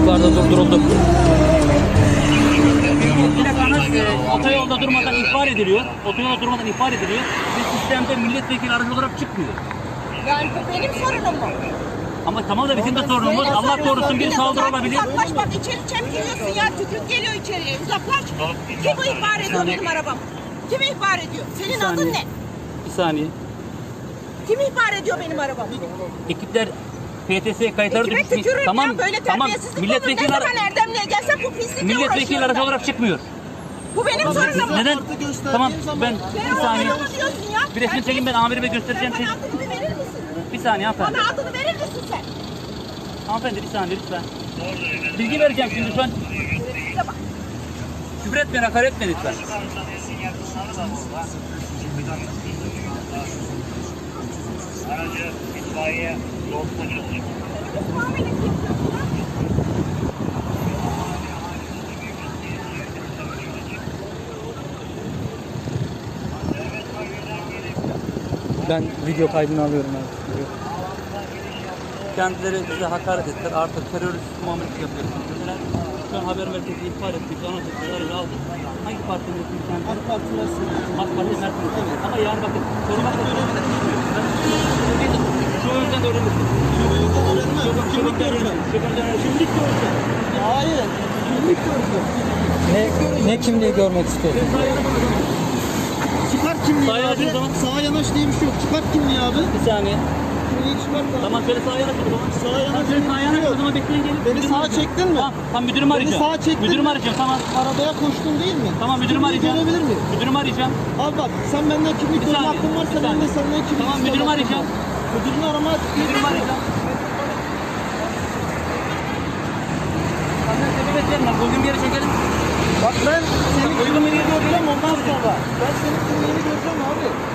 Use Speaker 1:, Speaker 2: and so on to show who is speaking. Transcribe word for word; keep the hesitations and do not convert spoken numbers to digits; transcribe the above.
Speaker 1: Yollarda durduruldu.
Speaker 2: Plakanız e, otoyolda durmadan ihbar ediliyor. Otoyolda durmadan ihbar ediliyor. Ve sistemde milletvekili aracı olarak çıkmıyor.
Speaker 3: Yani bu benim sorunum mu?
Speaker 2: Ama tamam da bizim de sorunumuz.
Speaker 3: Senin
Speaker 2: Allah
Speaker 3: sorunun
Speaker 2: korusun
Speaker 3: mu?
Speaker 2: bir saldırı
Speaker 3: Uzaklaş,
Speaker 2: olabilir.
Speaker 3: Uzaklaş bak içeri çemkiriyorsun ya. Tükürük geliyor içeriye. Uzaklaş. Kim bu ihbar ediyor benim arabam? Kim ihbar ediyor? Senin adın ne?
Speaker 2: Bir saniye.
Speaker 3: Kim ihbar ediyor benim arabamı?
Speaker 2: Ekipler P T S kayıtları
Speaker 3: Kime
Speaker 2: düşmüş.
Speaker 3: tükürürüm
Speaker 2: Tamam,
Speaker 3: ya böyle
Speaker 2: tamam.
Speaker 3: terbiyesizlik olur. Ne
Speaker 2: Milletvekili,
Speaker 3: zaman
Speaker 2: ara-
Speaker 3: Erdemli'ye gelsem bu pislikle
Speaker 2: milletvekili
Speaker 3: uğraşıyorum
Speaker 2: aracı
Speaker 3: ben.
Speaker 2: olarak çıkmıyor.
Speaker 3: Bu benim sorunum mu?
Speaker 2: Neden? Tamam ben
Speaker 3: Sen
Speaker 2: bir saniye.
Speaker 3: onu diyorsun ya.
Speaker 2: Bir resmi çekin, ben amirime göstereceğim.
Speaker 3: Sen
Speaker 2: Şey.
Speaker 3: bana adını bir verir misin?
Speaker 2: Bir saniye hanımefendi.
Speaker 3: Bana adını verir misin sen?
Speaker 2: Hanımefendi bir saniye lütfen. Bilgi vereceğim şimdi şu an.
Speaker 3: Size bak.
Speaker 2: Küfür etmeyin, hakaret etmeyin lütfen.
Speaker 4: Aracı itfaiye yol polis.
Speaker 3: Muamele yapıyorsun ha?
Speaker 1: Ben video kaydını alıyorum abi.
Speaker 2: Kendileri bize hakaret ettiler. Artık terörist muamelesi yapıyorsunuz dediler. Şu an haber merkezi ihbar ettik. Anons ettik. Aracı aldık. Hangi partinin ismi kendisi? AK Parti Mersin. AK Parti Mersin. Evet. Ama yarın bakın. Korumak da öğrenmeden Şu yüzden öğrenirsin. Şu yüzden öğrenmez. Kimlik göreceğim. Kimlik göreceğim.
Speaker 5: Hayır. Kimlik göreceğim.
Speaker 1: Ne, ne kimliği görmek istiyorsun?
Speaker 5: Çıkart kimliği
Speaker 2: Sağa yanaş
Speaker 5: abi.
Speaker 2: o zaman.
Speaker 5: Sağa yanaş diye bir şey yok. Çıkart kimliği abi.
Speaker 2: Bir saniye.
Speaker 5: Kimliği çıkart abi.
Speaker 2: Tamam şöyle sağa yanaş o zaman.
Speaker 5: Sağa yanaş.
Speaker 2: Şöyle sağa yanaş o zaman, bekleyin gelin.
Speaker 5: Beni
Speaker 2: Müdürümü
Speaker 5: sağa
Speaker 2: arayacağım.
Speaker 5: çektin mi?
Speaker 2: Tamam, tamam müdürümü arayacağım.
Speaker 5: sağa çektin
Speaker 2: Müdürümü
Speaker 5: mi?
Speaker 2: arayacağım, tamam.
Speaker 5: Arabaya koştun değil mi?
Speaker 2: Tamam müdürümü
Speaker 5: Kimliği
Speaker 2: arayacağım.
Speaker 5: görebilir miyim?
Speaker 2: Müdürümü arayacağım.
Speaker 5: Abi bak sen benden kimlik
Speaker 2: Bir
Speaker 5: görme
Speaker 2: saniye,
Speaker 5: hakkın varsa
Speaker 2: bir
Speaker 5: ben de
Speaker 2: saniye.
Speaker 5: senden kimlik
Speaker 2: Tamam,
Speaker 5: isteme
Speaker 2: müdürümü
Speaker 5: hakkım
Speaker 2: arayacağım.
Speaker 5: var. Müdürünü arama.
Speaker 2: Müdürümü arayacağım. Senden sebebiyet vermem. Uygun bir yere çekelim.
Speaker 5: Bak ben senin
Speaker 2: Uygun bir yere
Speaker 5: göreceğim
Speaker 2: çekelim.
Speaker 5: ondan sonra. Ben senin kimliğini göreceğim abi.